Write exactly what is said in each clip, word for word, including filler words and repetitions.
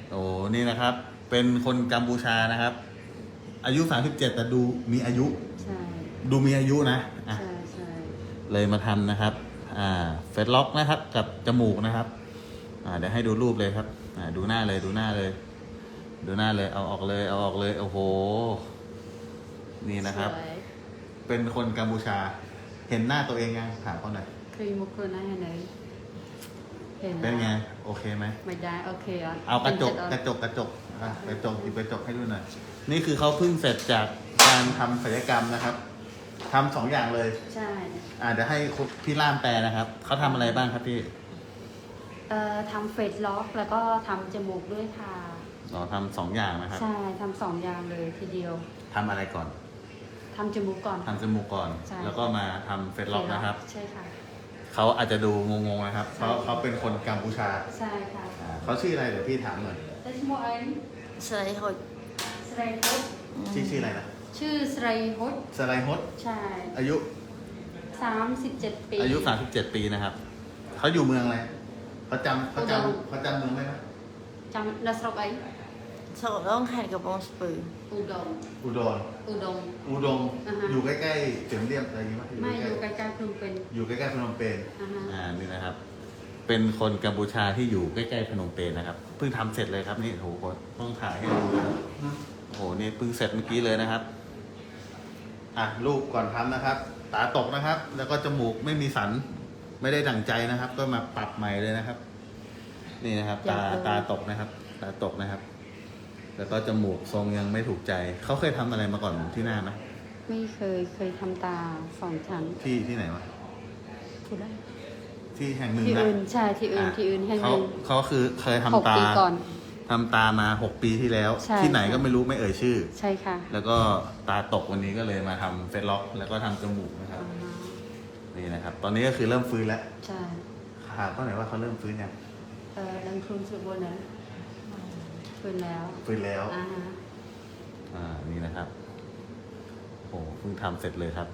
โอ้นี่นะครับ เป็นคนกัมพูชานะครับ อายุสามสิบเจ็ดแต่ดูมีอายุใช่ดูมีอายุนะอ่ะใช่ใช่เลยมาทำนะครับ อ่า เฟซล็อกนะครับ กับจมูกนะครับ อ่า เดี๋ยวให้ดูรูปเลยครับ อ่า ดูหน้าเลย ดูหน้าเลย ดูหน้าเลย เอาออกเลย เอาออกเลย โอ้โห นี่นะครับสวยเป็นคนกัมพูชา เห็นหน้าตัวเองยังถามเขาหน่อยเคยมุกคนนั้นเห็นไหมเห็นเป็นไง โอเคไหมไม่ได้โอเคอ่ะเอากระจก กระจก กระจกอ่ะกระจกหยิบกระจกให้ดูหน่อย นี่คือเขาเพิ่งเสร็จจากการทำศัลยกรรมนะครับ ทำสองอย่างเลยใช่อ่าเดี๋ยวให้พี่ล่ามแปลนะครับ เขาทำอะไรบ้างครับพี่เอ่อทำเฟซล็อกแล้วก็ทำจมูกด้วยค่ะอ๋อทำสองอย่างนะครับใช่ทำสองอย่างเลยทีเดียวทำอะไรก่อนทำจมูกก่อนทำจมูกก่อนใช่แล้วก็มาทำเฟซล็อกนะครับใช่ค่ะเขาอาจจะดูงงๆนะครับ เพราะใช่เขาเป็นคนกัมพูชาใช่ค่ะอ่าเขาชื่ออะไรเดี๋ยวพี่ถามหน่อยแต่ชื่อโมเอ็นสไลด์หดสไรฮุดชื่อชื่ออะไรนะชื่อสไรฮุดสไลฮดใช่อายุสามสิบเจ็ดปีอายุสามสิบเจ็ดปีนะครับ เขาอยู่เมืองอะไรเขาจำเขาจอุดรำเขาจำเมืองได้ไหมจำนัสรกไอสกต้องแข่งกับวงสปืออุดมอุดรอุดมอุดงอ่าฮะอยู่ใกล้ๆเสียมเรียบอะไรอย่างงี้ไหมไม่อยู่ใกล้ๆพนมเปญอยู่ใกล้ๆพนมเปญอ่าฮะอ่านี่นะครับ เป็นคนกัมพูชาที่อยู่ใกล้ๆพนมเปญนะครับ เพิ่งทำเสร็จเลยครับนี่โอ้โหต้องถ่ายให้ดูนะครับโอ้โหนี่เพิ่งเสร็จเมื่อกี้เลยนะครับ อ่ะรูปก่อนทำนะครับ ตาตกนะครับ แล้วก็จมูกไม่มีสัน ไม่ได้ดั่งใจนะครับ ก็มาปรับใหม่เลยนะครับ นี่นะครับ ตาตาตกนะครับ ตาตกนะครับ แล้วก็จมูกทรงยังไม่ถูกใจ เขาเคยทำอะไรมาก่อนที่หน้าไหมไม่เคยเคยทำตาสองชั้นที่ที่ไหนวะพูดได้ที่แห่งหนึ่งที่นะอื่นใช่ที่อื่นอ่ะที่อื่นให้เขาเงินเขาคือเคยทำหกตาปีก่อนทำตามาหกปีที่แล้วใช่ที่ไหนค่ะก็ไม่รู้ไม่เอ่ยชื่อใช่ค่ะแล้วก็ตาตกวันนี้ก็เลยมาทำเฟซล็อก แล้วก็ทำจมูกนะครับอ่าฮะนี่นะครับ ตอนนี้ก็คือเริ่มฟื้นแล้วใช่ถามเขาหน่อยว่าเขาเริ่มฟื้นยังเออลังครุนสุดบนนั้นคืนแล้วฟื้นแล้วอ่าฮะอ่านี่นะครับโอ้เพิ่งทำเสร็จเลยครับ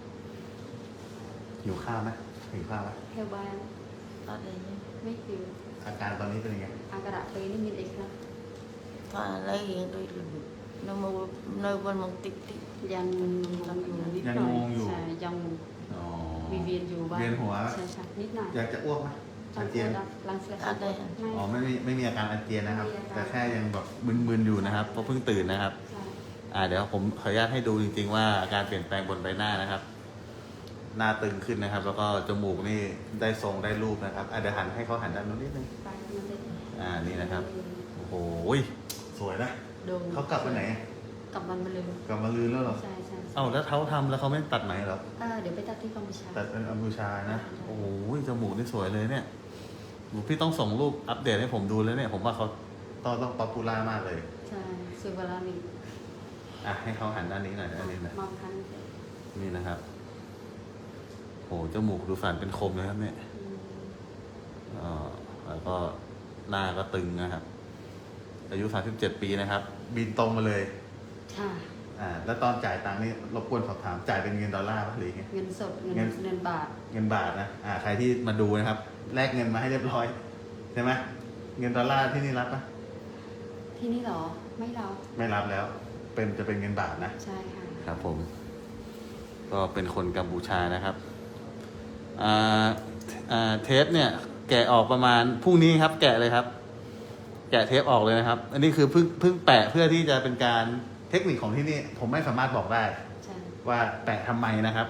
หิวข้าวไหมหิวข้าวไหมเทวบานอะไรเนี่ยไม่คืออาการตอนนี้เป็นยังไงอากาศไปนี่มีเอกนะตอนอะไรอย่างด้วยหรือน้ำมันน้ำมันมันติดติดยังยังอยู่นิดหยังน่อยงงอยู่ใช่ยังอ๋อมีเวียนอยู่บ้างเวียนหัวใช่ใช่นิดหน่อยอยากจะอ้วกไหมอาเจียนลังเสียไม่อ๋อไม่มีไม่มีอาการอาเจียนนะครับไม่มีอาการแต่แค่ยังแบบมึนๆอยู่นะครับเพราะเพิ่งตื่นนะครับใช่อ่าเดี๋ยวผมขออนุญาตให้ดูจริงๆว่าอาการเปลี่ยนแปลงบนใบหน้านะครับ หน้าตึงขึ้นนะครับ แล้วก็จมูกนี่ได้ทรงได้รูปนะครับอ่ะเดี๋ยวหันให้เขาหันด้านนู้นนิดนึงไปมันเลยอ่านี่นะครับโอ้โหสวยนะโดนเขากลับไปไหนกลับมันมาเลยกลับมาลืนแล้วเหรอใช่ใช่เอ้าแล้วเขาทำแล้วเขาไม่ตัดไหมเหรอเออเดี๋ยวไปตัดที่กัมพูชาตัดเป็นอัมพูชานะโอ้โหจมูกนี่สวยเลยเนี่ยพี่ต้องส่งรูปอัปเดตให้ผมดูแล้วเนี่ยผมว่าเขาต้องต้องป๊อปปูล่ามากเลยใช่สุวรรณมีอ่ะให้เขาหันด้านนี้หน่อยด้านนี้หน่อยมองทันนี่นะครับโอ้จมูกดูสันเป็นคมเลยครับเนี่ยอืมอ่าแล้วก็หน้าก็ตึงนะครับ อายุสามสิบเจ็ดปีนะครับ บินตรงมาเลยค่ะอ่าแล้วตอนจ่ายตังค์นี่รบกวนสอบถามจ่ายเป็นเงินดอลลาร์ป่ะหรือไงเงินสดเงินเงินเงินบาทเงินบาทนะอ่าใครที่มาดูนะครับแลกเงินมาให้เรียบร้อยใช่ไหมเงินดอลลาร์ที่นี่รับปะที่นี่เหรอ ไม่เราไม่รับแล้ว เป็นจะเป็นเงินบาทนะใช่ค่ะครับผม ก็เป็นคนกัมพูชานะครับอ่าอ่าเทปเนี่ย แกะออกประมาณพรุ่งนี้ครับ แกะเลยครับ แกะเทปออกเลยนะครับ อันนี้คือเพิ่งเพิ่งแปะเพื่อที่จะเป็นการเทคนิคของที่นี่ ผมไม่สามารถบอกได้ใช่ว่าแปะทำไมนะครับ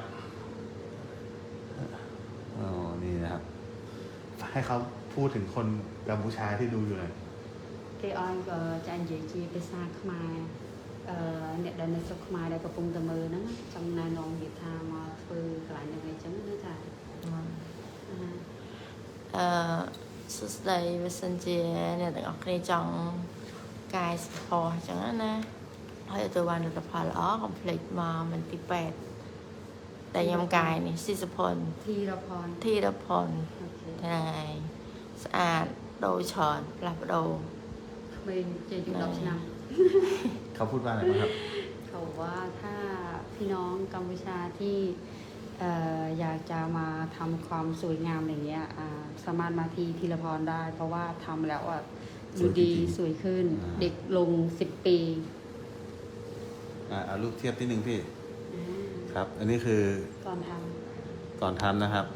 อ๋อนี่นะครับ ให้เขาพูดถึงคนกัมพูชาที่ดูอยู่หน่อยគេអនក៏ចាញ់និយាយជាភាសាខ្មែរអឺអ្នកដែលនៅស្រុកខ្មែរដែលកំពុងតែមើលហ្នឹងចង់ណែនាំនិយាយថាមកធ្វើកន្លែងហ្នឹងអីចឹងណាចាអាហាเอ่อสุดใดวิสัญญาเนี่ยแต่ออกในจังกายสปอร์จังนั้นนะให้ตัววันตัวพอลอ๋อคอมเพล็กซ์มามันที่แปดแต่ยำกายนี่สิสพลធីរផនที่รพลអូខេทนายสะอาดโดยชอนปรับโดក្មេងជ័យជាង10ឆ្នាំเขาพูดว่าอะไรบ้างครับเขาบอกว่าถ้าพี่น้องกัมพูชาที่เอ่ออยากจะมาทำความสวยงามอย่างเงี้ยอ่าสามารถมาที่ธีรพรได้ เพราะว่าทำแล้วอ่ะดูดีจริงสวยขึ้นอ่าเด็กลงสิบปีอ่าเอารูปเทียบที่หนึ่งพี่อ่าครับ อันนี้คือก่อนทก่อนทำนะครับ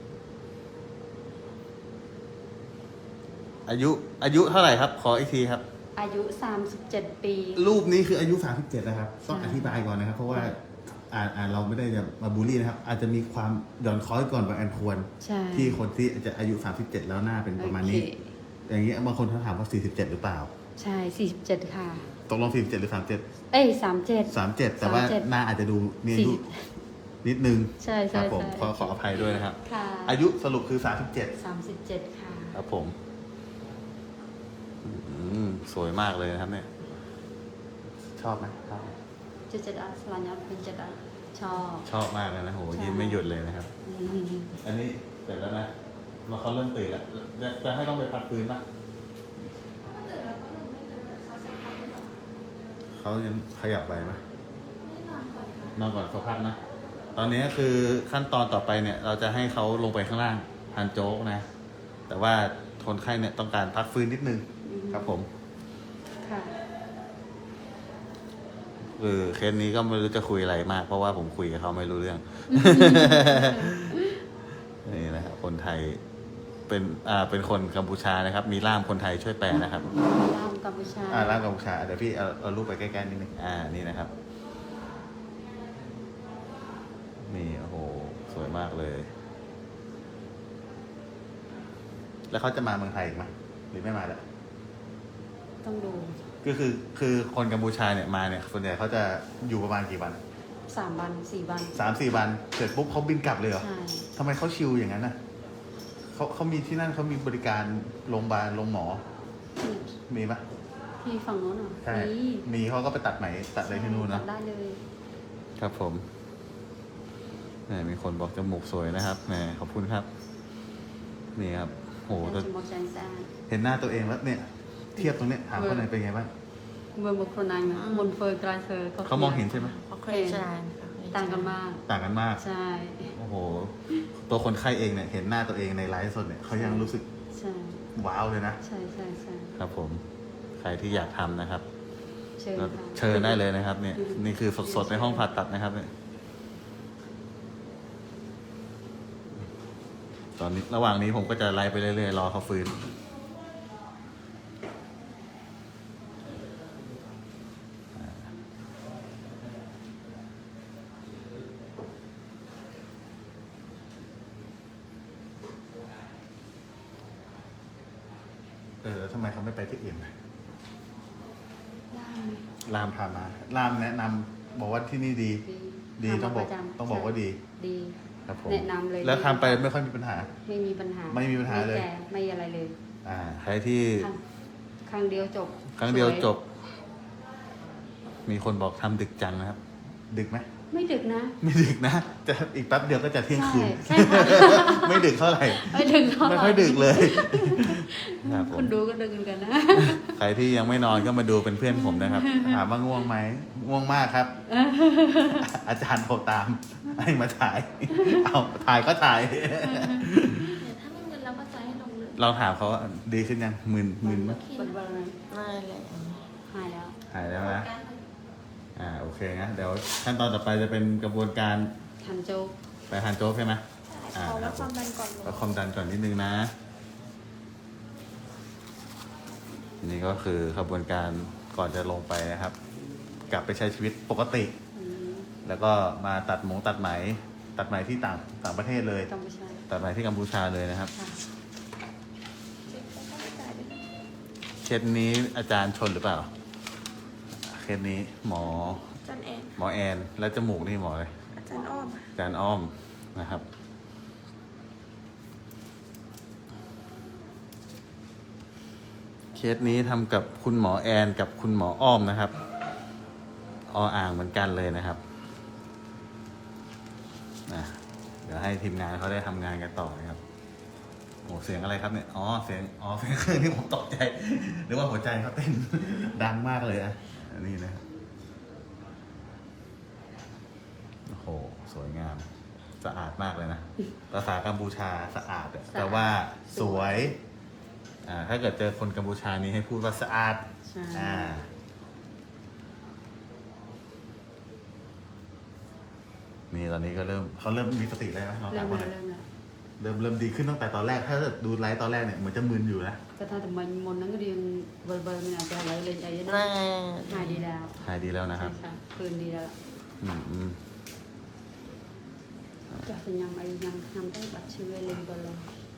อายุอายุเท่าไหร่ครับ ขออีกทีครับำอายุสามสิบเจ็ดปีรูปนี้คืออายุสามสิบเจ็ดนะครับ ต้องใช่อธิบายก่อนนะครับ เพราะว่าอ่าอ่าเราไม่ได้จะมาบูลลี่นะครับ อาจจะมีความหย่อนคล้อยก่อนบางอันควรใช่ที่คนที่จะอายุสามสิบเจ็ดแล้วหน้าเป็นประมาณนี้โอเคอย่างเงี้ยบางคนเขาถามว่าสี่สิบเจ็ดหรือเปล่าใช่สี่สิบเจ็ดค่ะตกลงสี่สิบเจ็ดหรือสามสิบเจ็ดเอ้ยสามเจ็ดสามสิบเจ็ดแต่ว่าสามสิบเจ็ดหน้าอาจจะดูมีอายุสี่สิบนิดนึงใช่คใช่รับผมใช่ขอขออภัยด้วยนะครับค่ะอายุสรุปคือสามสิบเจ็ดสามสิบเจ็ดค่ะครับผมอืมสวยมากเลยนะครับ เนี่ย ชอบไหมชอบจะจะได้สลายอดเป็นจะได้ชอบชอบมากเลยนะโหใช่ยิ้มไม่หยุดเลยนะครับอืมอันนี้เสร็จแล้วนะมาเขาเริ่มตื่นแล้วจะจะให้ต้องไปพักฟื้นปะเขายังขยับไปไหมนอนก่อนเขาพักนะ ตอนนี้คือขั้นตอนต่อไปเนี่ย เราจะให้เขาลงไปข้างล่างทานโจ๊กนะ แต่ว่าคนไข้เนี่ยต้องการพักฟื้นนิดนึงครับผมค่ะเออเคสนี้ก็ไม่รู้จะคุยอะไรมาก เพราะว่าผมคุยกับเขาไม่รู้เรื่อง นี่นะครับคนไทยเป็นอ่าเป็นคนกัมพูชานะครับ มีล่ามคนไทยช่วยแปลนะครับล่ามกัมพูชาอ่าล่ามกัมพูชาเดี๋ยวพี่เอาเอารูปไปใกล้ๆนิดนึงอ่านี่นะครับ นี่โอ้โหสวยมากเลย แล้วเขาจะมาเมืองไทยอีกไหมหรือไม่มาแล้วต้องดูก็คือคือคนกัมพูชาเนี่ยมาเนี่ยส่วนใหญ่เขาจะอยู่ประมาณกี่วันสามวันสี่วันสามสี่วันเสร็จปุ๊บเขาบินกลับเลยเหรอใช่ทำไมเขาชิลอย่างนั้นน่ะเขาเขามีที่นั่นเขามีบริการโรงพยาบาลโรงหมอที่มีปะที่ฝั่งโน้นเหรอใช่มีมีเขาก็ไปตัดไหมตัดอะไรที่นู่นตันะดได้เลยครับผมแหมมีคนบอกจมูกสวยนะครับแหมขอบคุณครับ นี่ครับโหแต่แต่จมูกแสนสะอาดเห็นหน้าตัวเองแล้วเนี่ย เทียบตรงเนี้ยถามคนไหนเป็นไงบ้างเมื่อบุคคลนั้นมนเฟอร์กลายเฟอร์เขามองเห็นใช่ไหมเขาเคยชนะต่างกันมากต่างกันมากใช่โอ้โห ตัวคนไข้เองเนี่ยเห็นหน้าตัวเองในไลฟ์สดเนี่ยเขายังรู้สึกใช่ว้าวเลยนะใช่ใช่ใช่ครับผม ใครที่อยากทำนะครับเชิญก็ค่ะเชิญได้เลยนะครับ เนี่ย นี่คือสดๆในห้องผ่าตัดนะครับ เนี่ย ตอนนี้ระหว่างนี้ผมก็จะไล่ไปเรื่อยๆรอเขาฟื้น เออแล้วทำไมเขาไม่ไปที่อื่นนะได้ไหมรามพามาลามแนะนำบอกว่าที่นี่ดีดีดีทำต้องบอกประจำต้องบอกว่าดีดีครับผมแนะนำเลยแล้วทำไปไม่ค่อยมีปัญหาไม่มีปัญหาไม่มีปัญหาเลยไแก่ไม่อะไรเลยอ่า ใครที่ครั้งครั้งเดียวจบครั้งเดียวสจบ มีคนบอกทำดึกจังนะครับ ดึกไหมไม่ดึกนะไม่ดึกนะจะอีกแป๊บเดียวก็จะเที่ยงคืนใช่ใช่ค่ะไม่ดึกเท่าไหร่ไม่ดึกเท่าไหร่ไม่ค่อยดึกเลยครับผคมนดูก็ดึกเหมือนกันนะใครที่ยังไม่นอนก็มาดูเป็นเพื่อนผมนะครับ ถามว่าง่วงไหมง่วงมากครับ อาจารย์โทรตามให้มาถ่าย เอาถ่ายก็ถ่ายถ้าไม่มึนเราก็จะให้ลงเลยเราถามเขาว่าดีขึ้นยังมึนมึนไหมเปิดวันเลยไม่เลยหายแล้วหายแล้วนะ อ่าโอเคนะเดี๋ยวขั้นตอนต่อไปจะเป็นกระบวนการทำโจ๊กไปทานโจ๊กใช่ไหมอ่าเอาคแล้รัวบความดันก่อนลวัดงความดันก่อนนิดนึงนะ นี่ก็คือกระบวนการก่อนจะลงไปนะครับ กลับไปใช้ชีวิตปกติอืมแล้วก็มาตัดหมงตัดไหม ตัดไหมที่ต่างต่างประเทศเลยกัมพูชาตัดไหมที่กัมพูชาเลยนะครับค่ะเคสนี้อาจารย์ชนหรือเปล่า เคสนี้หมออาจารย์แอนหมอแอน แล้วจมูกนี่หมออะไรอาจารย์อ้อมอาจารย์อ้อมนะครับ เคสนี้ทำกับคุณหมอแอนกับคุณหมออ้อมนะครับออ่างเหมือนกันเลยนะครับนะเดี๋ยวให้ทีมงานเขาได้ทำงานกันต่อนะครับโอ้เสียงอะไรครับเนี่ยอ๋อเสียงอ๋อเสียงเครื่องนี่ผมตกใจหรือว่าหัวใจเขาเต้น ดังมากเลยอะอันนี้นะครับโอ้โหสวยงาม สะอาดมากเลยนะภาษากัมพูชาสะอาดอะแต่ว่าสวยอ่า ถ้าเกิดเจอคนกัมพูชานี้ให้พูดว่าสะอาดใช่อ่า นี่ตอนนี้ก็เริ่มเขาเริ่มมีสติแล้วนะน้องเริ่สามมคนแล้วเนี่ยเริ่มแล้วเริ่มเริ่มดีขึ้นตั้งแต่ตอนแรก ถ้าเกิดดูไลฟ์ตอนแรกเนี่ยเหมือนจะมึนอยู่นะก็ถ้าแต่มันมนนั้นก็เรียนเบอร์เบอร์มันอาจจะอะไรเลยใจนั่นะนหายดีแล้วหายดีแล้วนะครับใช่ค่ะคืนดีแล้วอืมอืมจะเป็นยังไงยังทำได้บัตรชื่อเลยเบอร์เลย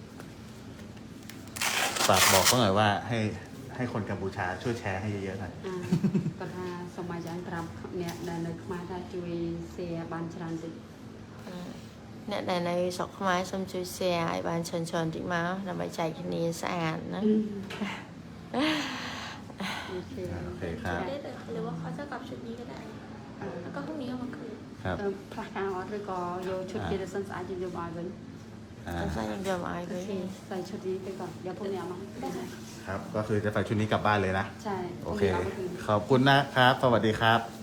ฝากบอกเขาหน่อยว่าให้ให้คนกัมพูชาช่วยแชร์ให้เยอะๆหน่อยอ่าก็ถ้าสมัยจันทร์เนี่ยในในมาถ้าช่วยเสียบันชรันติអ្នកដែលនៅស្រុកខ្មែរសូមជួយ share ឲ្យបានច្រើនៗតិចមកដើម្បីចែកគ្នាស្អាតណាโอเคโอเคครับได้เลยหรือว่าเขาจะกลับชุดนี้ก็ได้ แล้วก็พรุ่งนี้เอามาคืนครับพลักการออดหรือก็โยชุดเจริญสันสะอาดจริงๆมาเลยอ่าតែស្អាតយើងយកមកឲ្យโอគេเคใส่ชุดนี้ไปก่อนเดี๋ยวพรุ่งนี้เอามาได้ไหมครับ ก็คือจะใส่ชุดนี้กลับบ้านเลยนะใช่พโอรุ่งเคนี้เอามาคืนขอบคุณนะครับ สวัสดีครับ